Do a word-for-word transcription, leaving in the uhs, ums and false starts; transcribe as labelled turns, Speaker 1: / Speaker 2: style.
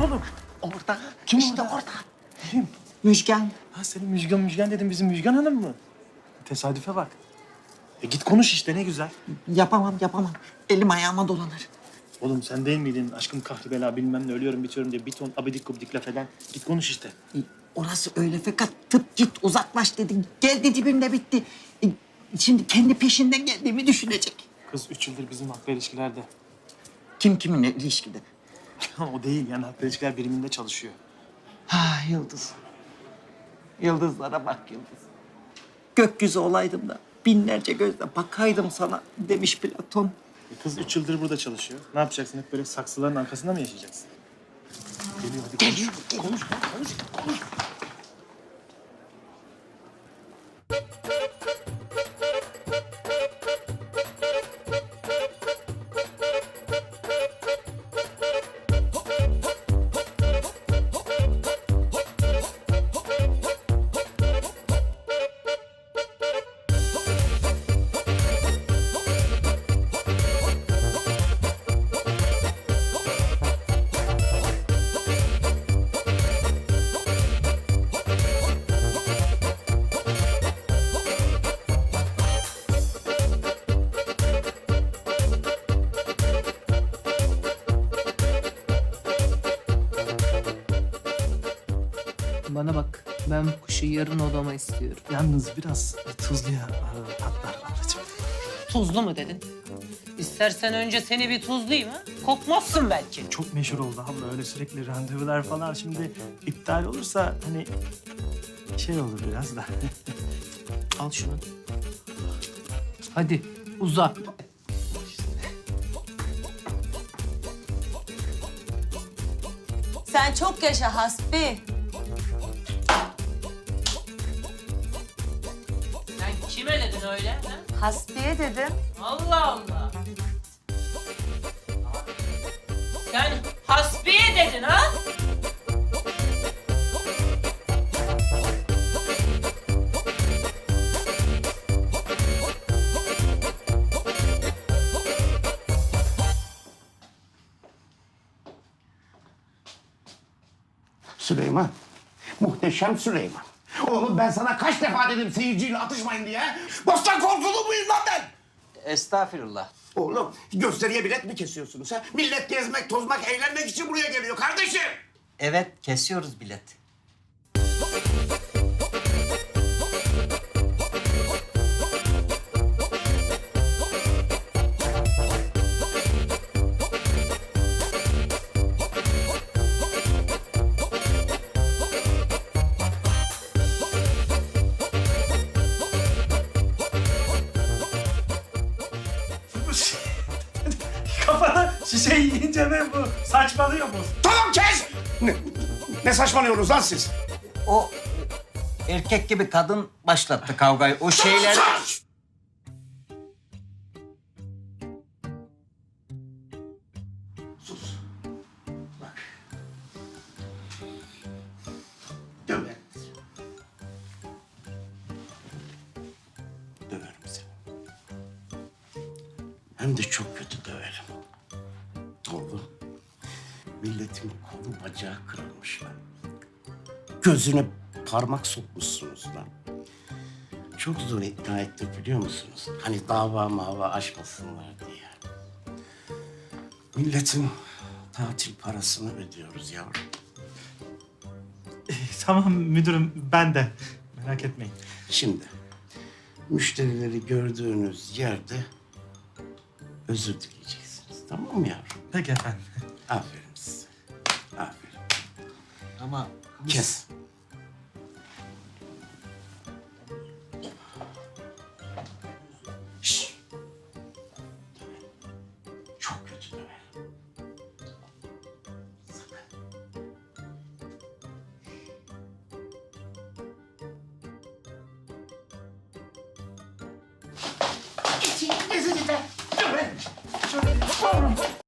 Speaker 1: oğlum?
Speaker 2: Orada.
Speaker 1: Kim
Speaker 2: işte
Speaker 1: orada?
Speaker 2: orada.
Speaker 1: Kim?
Speaker 2: Müjgan.
Speaker 1: Ha senin Müjgan Müjgan dedim, bizim Müjgan Hanım mı? Tesadüfe bak. E git konuş işte, ne güzel.
Speaker 2: Yapamam yapamam. Elim ayağıma dolanır.
Speaker 1: Oğlum sen değil miydin aşkım kahri bela bilmem ne ölüyorum bitiyorum diye bir ton abidik gubidik laf eden? Git konuş işte.
Speaker 2: E, Orası öyle fakat tıp git uzaklaş dedi. Geldi dibimde bitti. E, Şimdi kendi peşinden geldiğimi düşünecek.
Speaker 1: Kız üç yıldır bizim haklı ilişkilerde.
Speaker 2: Kim kiminle ilişkide?
Speaker 1: O değil yani, haklı ilişkiler biriminde çalışıyor.
Speaker 2: Ha Yıldız. Yıldızlara bak Yıldız. Gökyüzü olaydım da binlerce gözle bakaydım sana demiş Platon.
Speaker 1: E kız üç yıldır burada çalışıyor. Ne yapacaksın? Hep böyle saksıların arkasında mı yaşayacaksın? Geliyor, hadi konuş.
Speaker 2: Geliyor, geliyor.
Speaker 1: Konuş, konuş, konuş.
Speaker 3: Bana bak, ben bu kuşu yarın odama istiyorum.
Speaker 1: Yalnız biraz tuzluya e, patlar ablacığım.
Speaker 4: Tuzlu mu dedin? İstersen önce seni bir tuzlayayım ha? Kokmazsın belki.
Speaker 1: Çok meşhur oldu abla, öyle sürekli randevular falan. Şimdi iptal olursa hani şey olur biraz da.
Speaker 4: Al şunu.
Speaker 3: Hadi uza.
Speaker 5: Sen çok yaşa Hasbi.
Speaker 4: Sen kime dedin öyle? Ha?
Speaker 5: Hasbiye dedim.
Speaker 4: Allah Allah. Sen hasbiye dedin ha?
Speaker 6: Süleyman, muhteşem Süleyman. Oğlum ben sana kaç defa dedim seyirciyle atışmayın diye. Bostan korkulu muyum lan ben?
Speaker 7: Estağfirullah.
Speaker 6: Oğlum gösteriye bilet mi kesiyorsunuz ha? Millet gezmek, tozmak, eğlenmek için buraya geliyor kardeşim.
Speaker 7: Evet, kesiyoruz bilet.
Speaker 1: Kafana şişe yiyince mi bu? Saçmalıyor mu?
Speaker 6: Tamam kes! Ne, ne saçmalıyorsunuz lan siz?
Speaker 7: O erkek gibi kadın başlattı kavgayı. O şeyler...
Speaker 6: Sus! Sus. Bak. Döverim seni. Döverim seni. Hem de çok kötü döverim. Oğlum, milletin kolu bacağı kırılmış lan. Gözüne parmak sokmuşsunuz lan. Çok zor ikna ettik biliyor musunuz? Hani dava mava açmasınlar diye. Milletin tatil parasını ödüyoruz yavrum.
Speaker 1: Tamam müdürüm, ben de. Merak etmeyin.
Speaker 6: Şimdi müşterileri gördüğünüz yerde özür dileyeceksiniz. Tamam mı yavrum?
Speaker 1: Peki efendim.
Speaker 6: Aferin size. Aferin.
Speaker 7: Ama
Speaker 6: Kes. Şşş. Çok kötü döverim. Sakın. Geçin, gezin de. Döverim. Şöyle, yavrum.